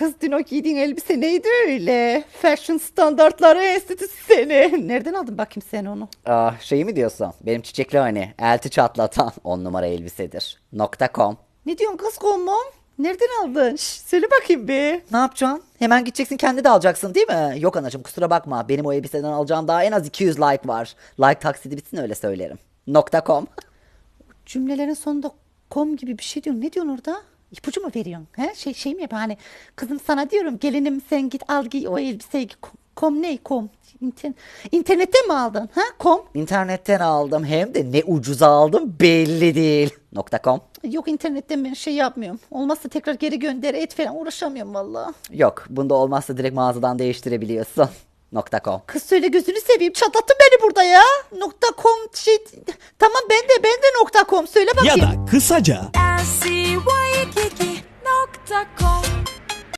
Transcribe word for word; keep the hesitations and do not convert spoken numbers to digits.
Kız dün o giydiğin elbise neydi öyle? Fashion Standartları Enstitüsü seni. Nereden aldın bakayım sen onu? Ah, şeyi mi diyorsun? Benim çiçekli hani elti çatlatan on numara elbisedir. Nokta com. Ne diyorsun kız kommom? Nereden aldın? Şş, söyle bakayım bir. Ne yapacaksın? Hemen gideceksin kendi de alacaksın değil mi? Yok anacığım kusura bakma. Benim o elbiseden alacağım daha en az iki yüz like var. Like taksidi bitsin öyle söylerim. Nokta com. Cümlelerin sonunda kom gibi bir şey diyorsun. Ne diyorsun orada? İpucu mu veriyorsun? He? Şey, şey mi yapıyorsun? Hani kızım sana diyorum gelinim sen git al giy o elbiseyi. giy. Kom, kom ne? Kom. İnter İnternetten mi aldın? Ha? Kom. İnternetten aldım hem de ne ucuza aldım belli değil. Nokta com. Yok internetten ben şey yapmıyorum. Olmazsa tekrar geri gönder et falan uğraşamıyorum vallahi. Yok bunda olmazsa direkt mağazadan değiştirebiliyorsun. Nokta com. Kız söyle gözünü seveyim çatlattın beni burada ya. Nokta com şey tamam ben de ben de nokta com söyle Ya bakayım. da kısaca L C Y nokta com